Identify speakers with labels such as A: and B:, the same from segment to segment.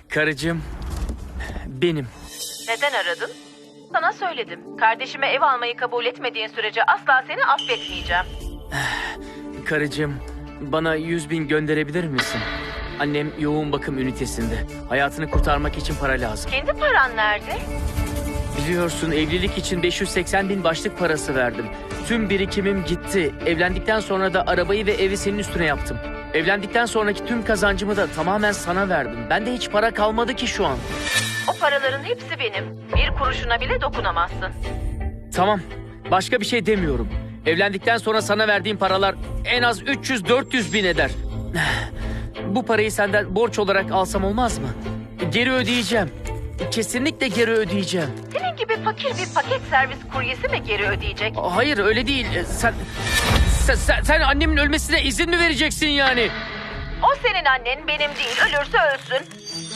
A: Karıcığım, benim.
B: Neden aradın? Sana söyledim. Kardeşime ev almayı kabul etmediğin sürece asla seni affetmeyeceğim.
A: Karıcığım, bana 100.000 gönderebilir misin? Annem yoğun bakım ünitesinde. Hayatını kurtarmak için para lazım.
B: Kendi paran nerede?
A: Biliyorsun, evlilik için 580.000 başlık parası verdim. Tüm birikimim gitti. Evlendikten sonra da arabayı ve evi senin üstüne yaptım. Evlendikten sonraki tüm kazancımı da tamamen sana verdim. Bende hiç para kalmadı ki şu an.
B: O paraların hepsi benim. Bir kuruşuna bile dokunamazsın.
A: Tamam, başka bir şey demiyorum. Evlendikten sonra sana verdiğim paralar en az 300-400 bin eder. Bu parayı senden borç olarak alsam olmaz mı? Geri ödeyeceğim. Kesinlikle geri ödeyeceğim.
B: Senin gibi fakir bir paket servis kuryesi mi geri ödeyecek?
A: Hayır, öyle değil. Sen annemin ölmesine izin mi vereceksin yani?
B: O senin annen, benim değil. Ölürse ölsün.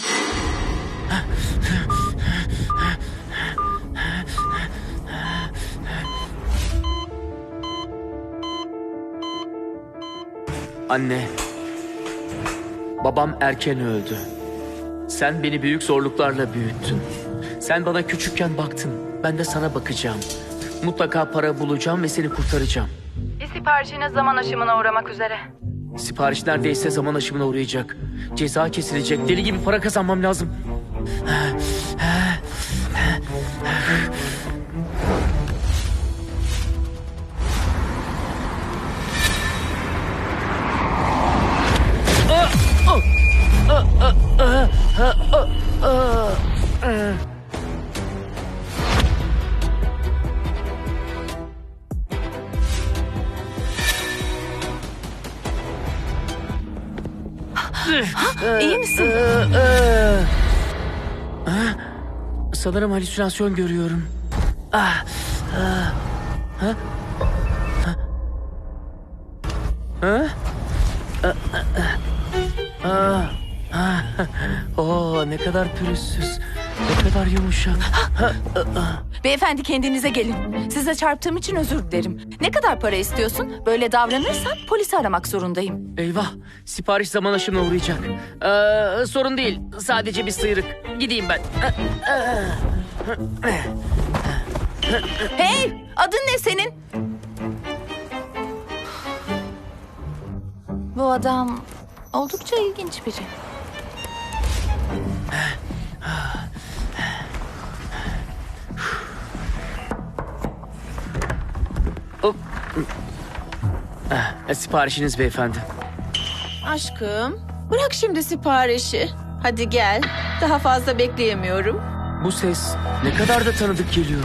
A: Anne, babam erken öldü. Sen beni büyük zorluklarla büyüttün. Sen bana küçükken baktın, ben de sana bakacağım. Mutlaka para bulacağım ve seni kurtaracağım.
B: Bir siparişiniz zaman aşımına uğramak üzere.
A: Sipariş neredeyse zaman aşımına uğrayacak. Ceza kesilecek, deli gibi para kazanmam lazım.
B: İyi misin?
A: Sanırım halüsinasyon görüyorum. Ne kadar pürüzsüz, ne kadar yumuşak.
C: Beyefendi, kendinize gelin. Size çarptığım için özür dilerim. Ne kadar para istiyorsun? Böyle davranırsan polisi aramak zorundayım.
A: Eyvah, sipariş zaman aşımına uğrayacak. Sorun değil, sadece bir sıyrık. Gideyim ben.
C: Hey! Adın ne senin? Bu adam oldukça ilginç biri.
A: Siparişiniz beyefendi.
D: Aşkım, bırak şimdi siparişi. Hadi gel. Daha fazla bekleyemiyorum.
A: Bu ses ne kadar da tanıdık geliyor.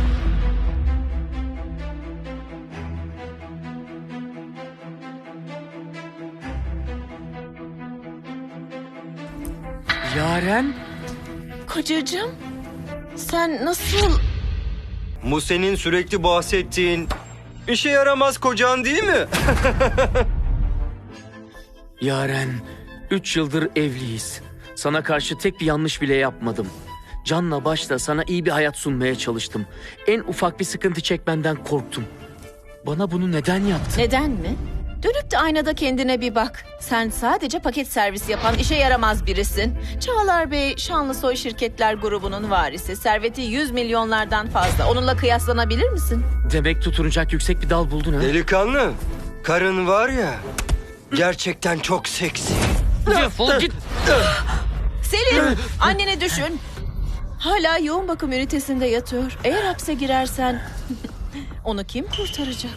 A: Yaren?
D: Kocacığım, sen nasıl...
E: Bu senin sürekli bahsettiğin işe yaramaz kocan değil mi?
A: Yaren, 3 yıldır evliyiz. Sana karşı tek bir yanlış bile yapmadım. Canla başla sana iyi bir hayat sunmaya çalıştım. En ufak bir sıkıntı çekmenden korktum. Bana bunu neden yaptın?
D: Neden mi? Dönüp de aynada kendine bir bak. Sen sadece paket servis yapan işe yaramaz birisin. Çağlar Bey, Şanlısoy Şirketler grubunun varisi. Serveti 100 milyonlardan fazla. Onunla kıyaslanabilir misin?
A: Demek tutunacak yüksek bir dal buldun ha?
E: Delikanlı, karın var ya, gerçekten çok seksi.
A: Defol git.
D: Selin, anneni düşün. Hala yoğun bakım ünitesinde yatıyor. Eğer hapse girersen onu kim kurtaracak?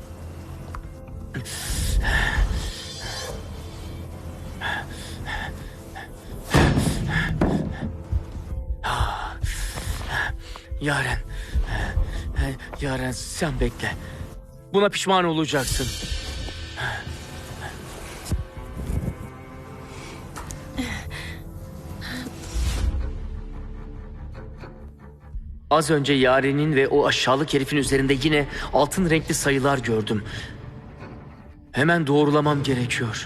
A: Yaren. Yaren, sen bekle. Buna pişman olacaksın. Az önce Yaren'in ve o aşağılık herifin üzerinde yine altın renkli sayılar gördüm. Hemen doğrulamam gerekiyor.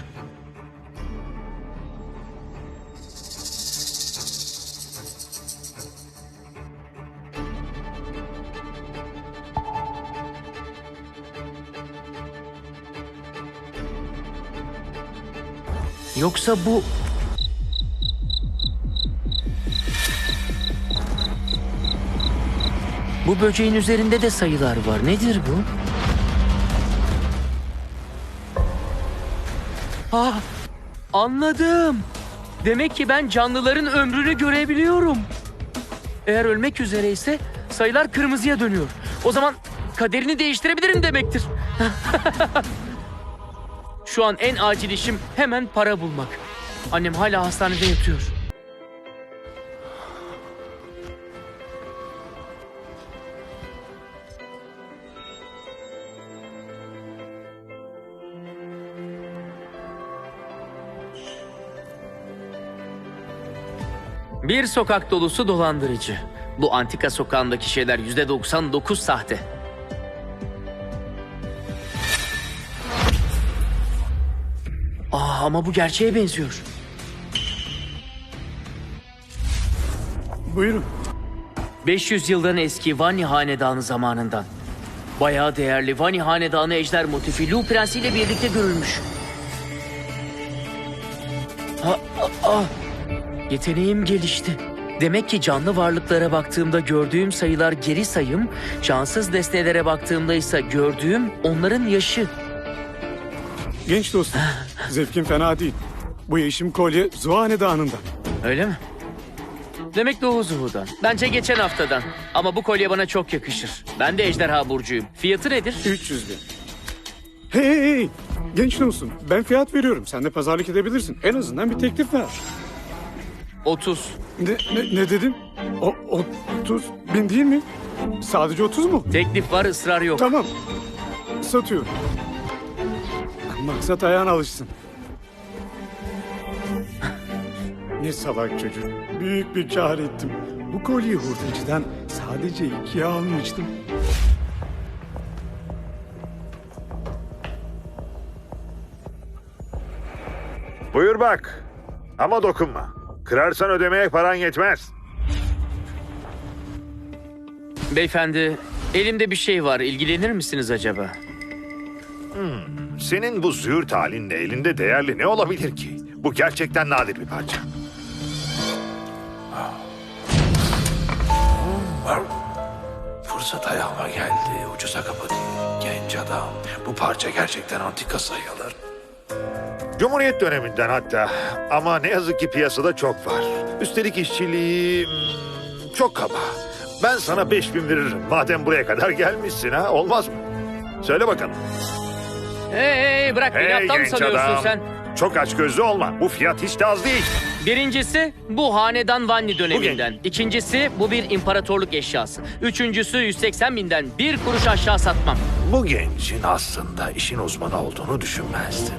A: Yoksa bu... Bu böceğin üzerinde de sayılar var. Nedir bu? Ah, anladım. Demek ki ben canlıların ömrünü görebiliyorum. Eğer ölmek üzereyse sayılar kırmızıya dönüyor. O zaman kaderini değiştirebilirim demektir. Şu an en acil işim hemen para bulmak. Annem hala hastanede yatıyor. Bir sokak dolusu dolandırıcı. Bu antika sokağındaki şeyler %99 sahte. Ama bu gerçeğe benziyor.
F: Buyurun.
A: 500 yıldan eski Vani Hanedanı zamanından. Bayağı değerli Vani Hanedanı ejder motifi Lu Prensi ile birlikte görülmüş. Yeteneğim gelişti. Demek ki canlı varlıklara baktığımda gördüğüm sayılar geri sayım, şanssız nesnelere baktığımda ise gördüğüm onların yaşı.
F: Genç dostum. Zevkin fena değil. Bu yeşim kolye Zuhane Dağı'ndan.
A: Öyle mi? Demek Doğu Zuhu'dan. Bence geçen haftadan. Ama bu kolye bana çok yakışır. Ben de ejderha burcuyum. Fiyatı nedir?
F: 300 bin. Hey! Genç dostum, ben fiyat veriyorum. Sen de pazarlık edebilirsin. En azından bir teklif ver.
A: 30.
F: Ne dedim? 30 bin değil mi? Sadece 30 mu?
A: Teklif var, ısrar yok.
F: Tamam. Satıyorum. Maksat ayağına alışsın. Ne salak çocuk. Büyük bir kâr ettim. Bu kolyeyi hurdacıdan sadece 2'ye almıştım.
G: Buyur bak. Ama dokunma. Kırarsan ödemeye paran yetmez.
A: Beyefendi, elimde bir şey var. İlgilenir misiniz acaba?
G: Senin bu züğürt halinle elinde değerli ne olabilir ki? Bu gerçekten nadir bir parça.
H: Fırsat ayağıma geldi. Ucuza kapatayım. Genç adam. Bu parça gerçekten antika sayılır.
G: Cumhuriyet döneminden hatta. Ama ne yazık ki piyasada çok var. Üstelik işçiliği çok kaba. Ben sana 5000 veririm. Madem buraya kadar gelmişsin ha. Olmaz mı? Söyle bakalım.
A: Hey, bırak beni, aptal mı
G: genç
A: sanıyorsun
G: adam.
A: sen?
G: Çok açgözlü olma. Bu fiyat hiç de az değil.
A: Birincisi bu hanedan Vanni döneminden. İkincisi bu bir imparatorluk eşyası. Üçüncüsü 180 binden bir kuruş aşağı satmam.
G: Bu gencin aslında işin uzmanı olduğunu düşünmezdim.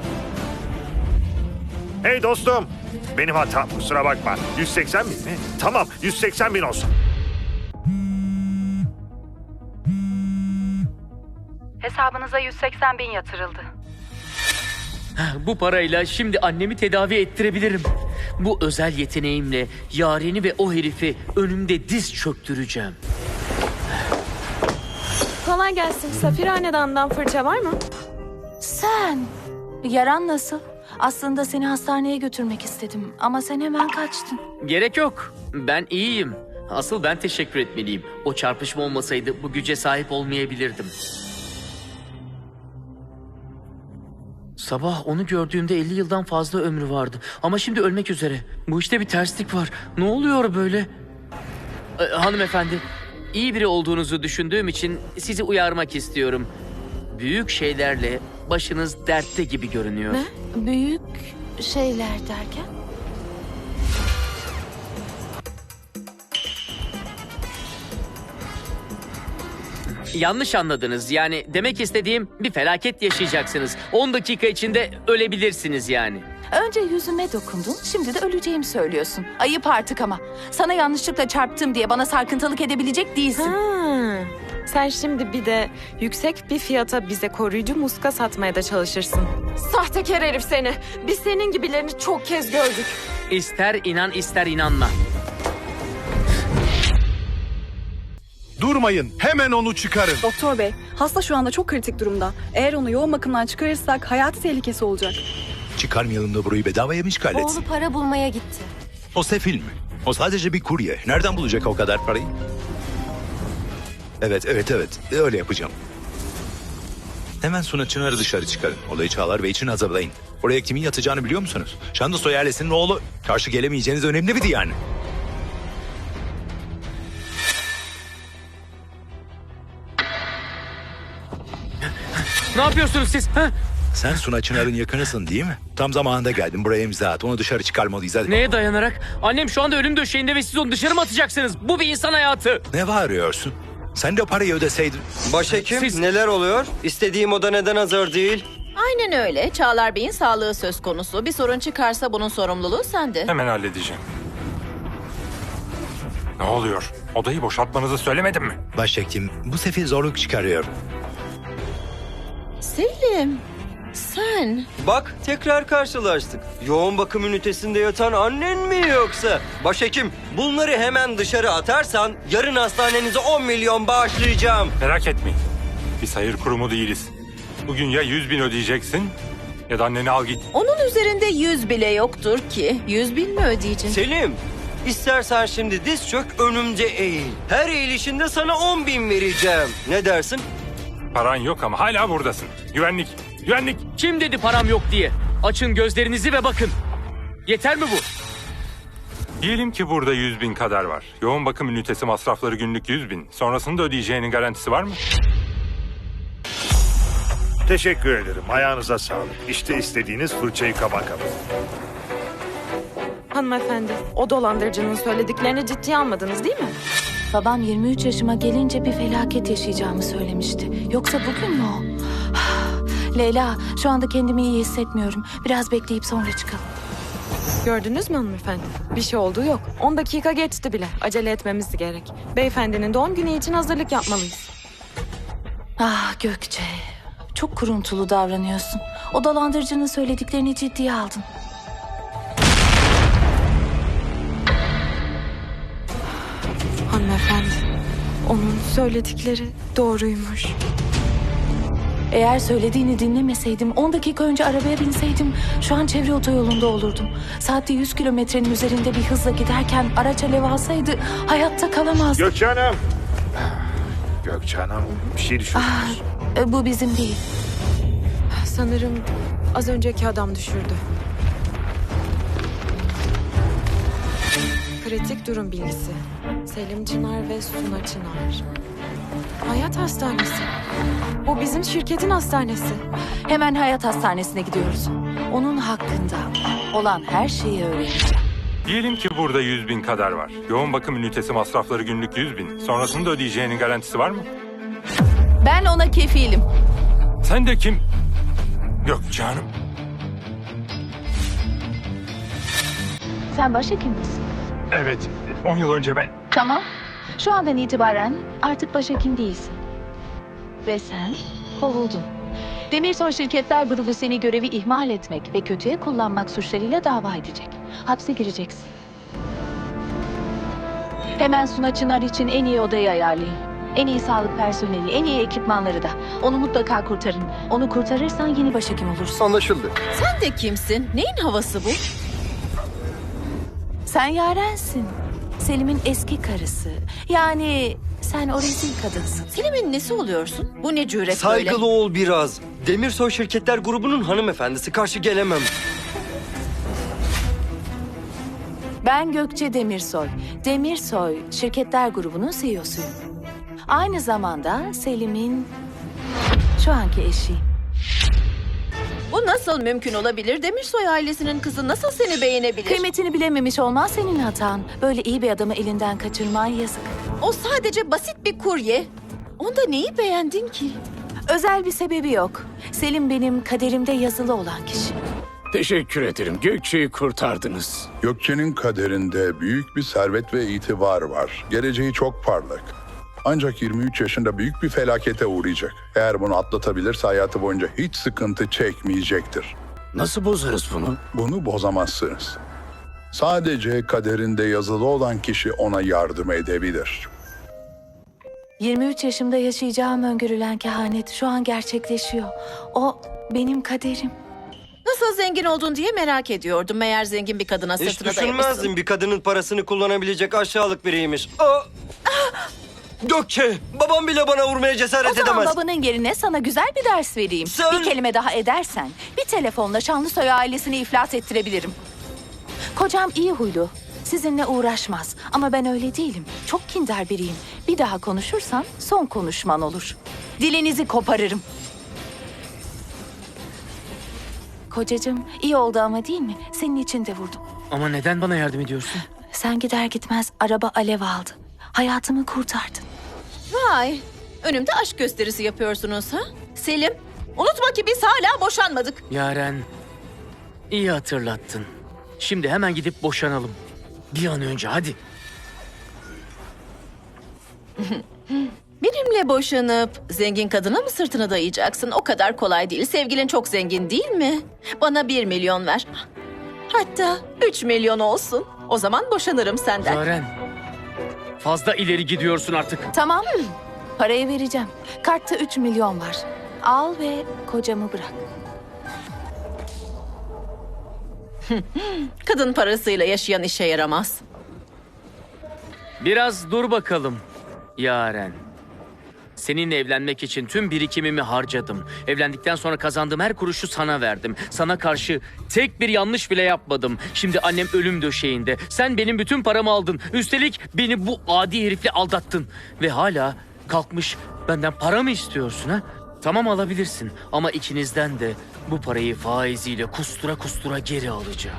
G: Hey dostum, benim hatam, kusura bakma. 180 bin mi? Tamam, 180 bin olsun.
I: Hesabınıza 180 bin yatırıldı.
A: Bu parayla şimdi annemi tedavi ettirebilirim. Bu özel yeteneğimle Yaren'i ve o herifi önümde diz çöktüreceğim.
J: Kolay gelsin. Safir Hanedan'dan fırça var mı?
C: Sen, yaran nasıl? Aslında seni hastaneye götürmek istedim ama sen hemen kaçtın.
A: Gerek yok. Ben iyiyim. Asıl ben teşekkür etmeliyim. O çarpışma olmasaydı bu güce sahip olmayabilirdim. Sabah onu gördüğümde 50 yıldan fazla ömrü vardı. Ama şimdi ölmek üzere. Bu işte bir terslik var. Ne oluyor böyle? Hanımefendi, iyi biri olduğunuzu düşündüğüm için sizi uyarmak istiyorum. Büyük şeylerle başınız dertte gibi görünüyor.
C: Ne? Büyük şeyler derken?
A: Yanlış anladınız. Yani demek istediğim bir felaket yaşayacaksınız. 10 dakika içinde ölebilirsiniz yani.
C: Önce yüzüme dokundun, şimdi de öleceğimi söylüyorsun. Ayıp artık ama. Sana yanlışlıkla çarptım diye bana sarkıntılık edebilecek değilsin.
J: Sen şimdi bir de yüksek bir fiyata bize koruyucu muska satmaya da çalışırsın. Sahtekar herif seni. Biz senin gibilerini çok kez gördük.
A: İster inan ister inanma.
K: Durmayın, hemen onu çıkarın.
L: Doktor bey, hasta şu anda çok kritik durumda. Eğer onu yoğun bakımdan çıkarırsak hayati tehlikesi olacak.
K: Çıkarmayalım da burayı bedavaya mı işgal etsin?
I: Oğlu para bulmaya gitti.
K: O sefil mi? O sadece bir kurye. Nereden bulacak o kadar parayı? Evet. Öyle yapacağım. Hemen Suna Çınar'ı dışarı çıkarın. Olayı Çağlar Bey için hazırlayın. Oraya kimin yatacağını biliyor musunuz? Şanlısoy ailesinin oğlu. Karşı gelemeyeceğiniz önemli biri yani.
A: Ne yapıyorsunuz siz? Ha?
K: Sen Suna Çınar'ın yakınısın değil mi? Tam zamanında geldin. Buraya imza at. Onu dışarı çıkarmalıyız. Hadi.
A: Neye dayanarak? Annem şu anda ölüm döşeğinde ve siz onu dışarı mı atacaksınız? Bu bir insan hayatı.
K: Ne bağırıyorsun? Sen de parayı ödeseydin.
E: Başhekim
A: Siz-
E: neler oluyor? İstediğim oda neden hazır değil?
D: Aynen öyle. Çağlar Bey'in sağlığı söz konusu. Bir sorun çıkarsa bunun sorumluluğu sende.
M: Hemen halledeceğim. Ne oluyor? Odayı boşaltmanızı söylemedim mi?
K: Başhekim bu sefer zorluk çıkarıyor.
D: Selim, sen...
E: Bak tekrar karşılaştık. Yoğun bakım ünitesinde yatan annen mi yoksa? Başhekim bunları hemen dışarı atarsan yarın hastanenize 10 milyon bağışlayacağım.
M: Merak etmeyin. Biz hayır kurumu değiliz. Bugün ya 100.000 ödeyeceksin ya da anneni al git.
D: Onun üzerinde 100 bile yoktur ki. 100.000 mi ödeyeceksin?
E: Selim, istersen şimdi diz çök önümde eğil. Her eğilişinde sana 10 bin vereceğim. Ne dersin?
M: Paran yok ama hala buradasın. Güvenlik, güvenlik.
A: Kim dedi param yok diye? Açın gözlerinizi ve bakın. Yeter mi bu?
M: Diyelim ki burada 100.000 kadar var. Yoğun bakım ünitesi masrafları günlük 100.000. Sonrasında ödeyeceğinin garantisi var mı?
G: Teşekkür ederim. Ayağınıza sağlık. İşte istediğiniz fırçayı kaba.
J: Hanımefendi, o dolandırıcının söylediklerini ciddiye almadınız değil mi?
C: Babam 23 yaşıma gelince bir felaket yaşayacağımı söylemişti. Yoksa bugün mü o? Leyla, şu anda kendimi iyi hissetmiyorum. Biraz bekleyip sonra çıkalım.
J: Gördünüz mü hanımefendi? Bir şey olduğu yok. 10 dakika geçti bile. Acele etmemiz gerek. Beyefendinin doğum günü için hazırlık yapmalıyız.
C: Ah Gökçe, çok kuruntulu davranıyorsun. O dolandırıcının söylediklerini ciddiye aldın.
J: Hanımefendi, onun söyledikleri doğruymuş.
C: Eğer söylediğini dinlemeseydim, 10 dakika önce arabaya binseydim şu an çevre otoyolunda olurdum. Saatte 100 kilometrenin üzerinde bir hızla giderken araç alev alsaydı hayatta kalamazdım.
G: Gökçe Hanım. Gökçe Hanım, bir şey düşürdünüz.
C: Bu bizim değil.
J: Sanırım az önceki adam düşürdü. Kritik durum bilgisi. Selim Çınar ve Suna Çınar. Hayat Hastanesi. Bu bizim şirketin hastanesi.
C: Hemen Hayat Hastanesi'ne gidiyoruz. Onun hakkında olan her şeyi öğreneceğim.
M: Diyelim ki burada 100.000 kadar var. Yoğun bakım ünitesi masrafları günlük 100.000. Sonrasında ödeyeceğinin garantisi var mı?
C: Ben ona kefilim.
M: Sen de kim? Gökçe Hanım.
C: Sen başhekim misin?
M: Evet, 10 yıl önce ben.
C: Tamam. Şu andan itibaren artık başhekim değilsin. Ve sen kovuldun. Demirsoy Şirketler Grubu seni görevi ihmal etmek ve kötüye kullanmak suçlarıyla dava edecek. Hapse gireceksin. Hemen Suna Çınar için en iyi odayı ayarlayın. En iyi sağlık personeli, en iyi ekipmanları da. Onu mutlaka kurtarın. Onu kurtarırsan yeni başhekim olursun.
E: Anlaşıldı.
D: Sen de kimsin? Neyin havası bu?
C: Sen Yaren'sin. Selim'in eski karısı. Yani sen o rezil kadınsın.
D: Selim'in nesi oluyorsun? Bu ne cüret böyle?
E: Saygılı ol biraz. Demirsoy Şirketler Grubu'nun hanımefendisi, karşı gelemem.
C: Ben Gökçe Demirsoy. Demirsoy Şirketler Grubu'nun CEO'suyum. Aynı zamanda Selim'in şu anki eşiyim.
D: Bu nasıl mümkün olabilir? Demirsoy ailesinin kızı nasıl seni beğenebilir?
C: Kıymetini bilememiş olmaz senin hatan. Böyle iyi bir adamı elinden kaçırman yazık.
D: O sadece basit bir kurye. Onda neyi beğendin ki?
C: Özel bir sebebi yok. Selim benim kaderimde yazılı olan kişi.
F: Teşekkür ederim. Gökçe'yi kurtardınız.
N: Gökçe'nin kaderinde büyük bir servet ve itibar var. Geleceği çok parlak. Ancak 23 yaşında büyük bir felakete uğrayacak. Eğer bunu atlatabilirse hayatı boyunca hiç sıkıntı çekmeyecektir.
F: Nasıl bozarız bunu?
N: Bunu bozamazsınız. Sadece kaderinde yazılı olan kişi ona yardım edebilir.
C: 23 yaşımda yaşayacağım öngörülen kehanet şu an gerçekleşiyor. O benim kaderim.
D: Nasıl zengin oldun diye merak ediyordum. Meğer zengin bir kadına
E: Hiç
D: sırtına
E: düşünmezdim
D: dayamışsın.
E: bir kadının parasını kullanabilecek aşağılık biriymiş. Aa! Gökçe, babam bile bana vurmaya cesaret
C: O zaman
E: edemez.
C: babanın yerine sana güzel bir ders vereyim.
E: Sen-
C: Bir kelime daha edersen bir telefonla Şanlısoy ailesini iflas ettirebilirim. Kocam iyi huylu. Sizinle uğraşmaz. Ama ben öyle değilim. Çok kindar biriyim. Bir daha konuşursan son konuşman olur. Dilinizi koparırım. Kocacığım iyi oldu ama değil mi? Senin için de vurdum.
A: Ama neden bana yardım ediyorsun?
C: Sen gider gitmez araba alev aldı. Hayatımı kurtardın.
D: Vay, önümde aşk gösterisi yapıyorsunuz ha? Selim, unutma ki biz hala boşanmadık.
A: Yaren, iyi hatırlattın. Şimdi hemen gidip boşanalım. Bir an önce hadi.
D: Benimle boşanıp zengin kadına mı sırtını dayayacaksın? O kadar kolay değil. Sevgilin çok zengin değil mi? Bana 1 milyon ver. Hatta 3 milyon olsun. O zaman boşanırım senden.
A: Yaren, fazla ileri gidiyorsun artık.
C: Tamam mı? Parayı vereceğim. Kartta 3 milyon var. Al ve kocamı bırak.
D: Kadın parasıyla yaşayan işe yaramaz.
A: Biraz dur bakalım Yaren. Seninle evlenmek için tüm birikimimi harcadım. Evlendikten sonra kazandığım her kuruşu sana verdim. Sana karşı tek bir yanlış bile yapmadım. Şimdi annem ölüm döşeğinde. Sen benim bütün paramı aldın. Üstelik beni bu adi herifle aldattın. Ve hala kalkmış benden para mı istiyorsun ha? Tamam alabilirsin ama ikinizden de bu parayı faiziyle kustura kustura geri alacağım.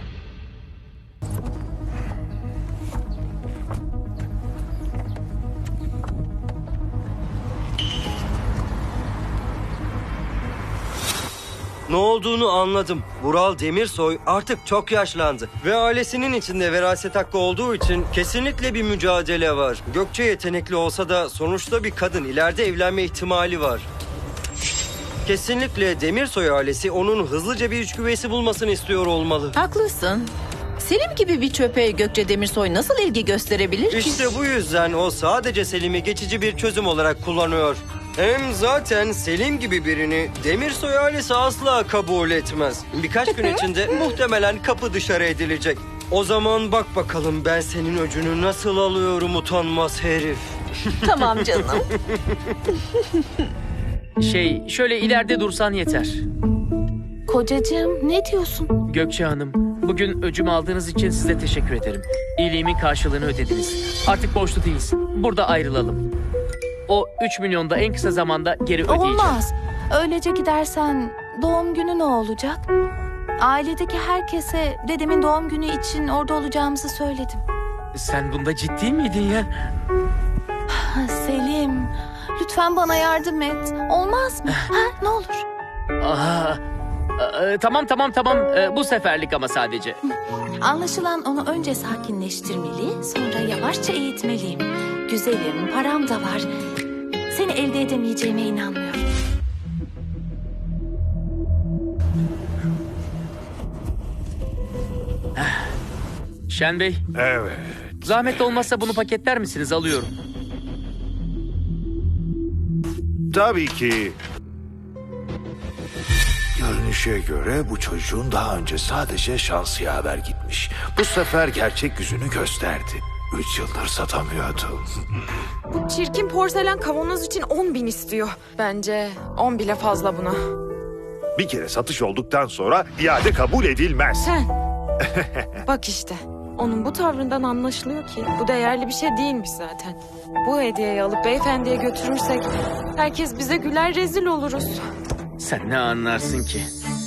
E: Ne olduğunu anladım. Vural Demirsoy artık çok yaşlandı. Ve ailesinin içinde veraset hakkı olduğu için kesinlikle bir mücadele var. Gökçe yetenekli olsa da sonuçta bir kadın. İleride evlenme ihtimali var. Kesinlikle Demirsoy ailesi onun hızlıca bir içgüveysi bulmasını istiyor olmalı.
D: Haklısın. Selim gibi bir çöpe Gökçe Demirsoy nasıl ilgi gösterebilir ki?
E: İşte bu yüzden o sadece Selim'i geçici bir çözüm olarak kullanıyor. Hem zaten Selim gibi birini Demirsoy ailesi asla kabul etmez. Birkaç gün içinde muhtemelen kapı dışarı edilecek. O zaman bak bakalım ben senin öcünü nasıl alıyorum utanmaz herif.
D: Tamam canım.
A: Şöyle ileride dursan yeter.
C: Kocacığım ne diyorsun?
A: Gökçe Hanım, bugün öcümü aldığınız için size teşekkür ederim. İyiliğimin karşılığını ödediniz. Artık borçlu değiliz. Burada ayrılalım. O 3 milyonu da en kısa zamanda geri ödeyeceğim.
C: Olmaz. Öylece gidersen doğum günü ne olacak? Ailedeki herkese dedemin doğum günü için orada olacağımızı söyledim.
A: Sen bunda ciddi miydin ya?
C: Selim, lütfen bana yardım et. Olmaz mı? Ha, ne olur.
A: Tamam. Bu seferlik ama sadece.
C: Anlaşılan onu önce sakinleştirmeli, sonra yavaşça eğitmeliyim. Güzelim, param da var. Seni elde edemeyeceğime inanmıyorum.
A: Şen Bey,
G: Evet.
A: zahmet olmazsa bunu paketler misiniz? Alıyorum.
G: Tabii ki. Görünüşe göre bu çocuğun daha önce sadece şans yaver gitmiş. Bu sefer gerçek yüzünü gösterdi. 3 yıldır satamıyordum.
J: Bu çirkin porselen kavanoz için 10.000 istiyor. Bence 10 bile fazla buna.
G: Bir kere satış olduktan sonra iade kabul edilmez.
J: Sen. Bak işte. Onun bu tavrından anlaşılıyor ki bu değerli bir şey değilmiş zaten. Bu hediyeyi alıp beyefendiye götürürsek herkes bize güler, rezil oluruz.
A: Sen ne anlarsın ki?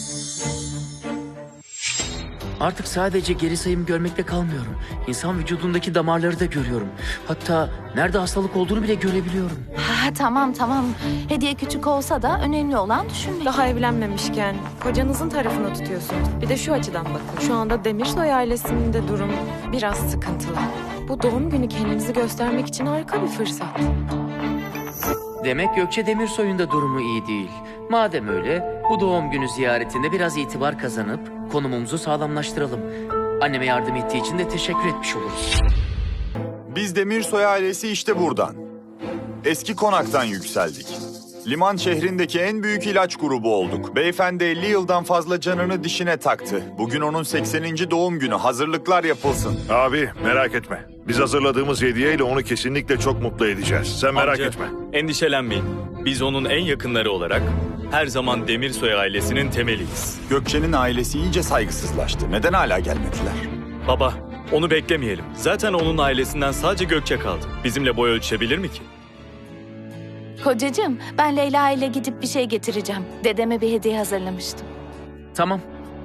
A: Artık sadece geri sayım görmekte kalmıyorum. İnsan vücudundaki damarları da görüyorum. Hatta nerede hastalık olduğunu bile görebiliyorum.
C: Tamam. Hediye küçük olsa da önemli olan düşünmek.
J: Daha evlenmemişken kocanızın tarafını tutuyorsunuz. Bir de şu açıdan bakın. Şu anda Demirsoy ailesinin de durum biraz sıkıntılı. Bu doğum günü kendinizi göstermek için harika bir fırsat.
A: Demek Gökçe Demirsoy'un da durumu iyi değil. Madem öyle, bu doğum günü ziyaretinde biraz itibar kazanıp konumumuzu sağlamlaştıralım. Anneme yardım ettiği için de teşekkür etmiş oluruz.
O: Biz Demirsoy ailesi işte buradan. Eski konaktan yükseldik. Liman şehrindeki en büyük ilaç grubu olduk. Beyefendi 50 yıldan fazla canını dişine taktı. Bugün onun 80. doğum günü. Hazırlıklar yapılsın.
G: Abi merak etme. Biz hazırladığımız hediyeyle onu kesinlikle çok mutlu edeceğiz. Sen merak
P: Amca,
G: etme.
P: Endişelenmeyin. Biz onun en yakınları olarak her zaman Demirsoy ailesinin temeliyiz.
O: Gökçe'nin ailesi iyice saygısızlaştı. Neden hala gelmediler?
P: Baba, onu beklemeyelim. Zaten onun ailesinden sadece Gökçe kaldı. Bizimle boy ölçebilir mi ki?
C: Kocacığım, ben Leyla ile gidip bir şey getireceğim. Dedeme bir hediye hazırlamıştım.
A: Tamam.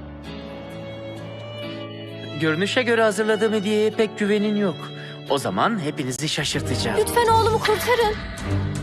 A: Görünüşe göre hazırladığım hediyeye pek güvenin yok. O zaman hepinizi şaşırtacağım.
I: Lütfen oğlumu kurtarın.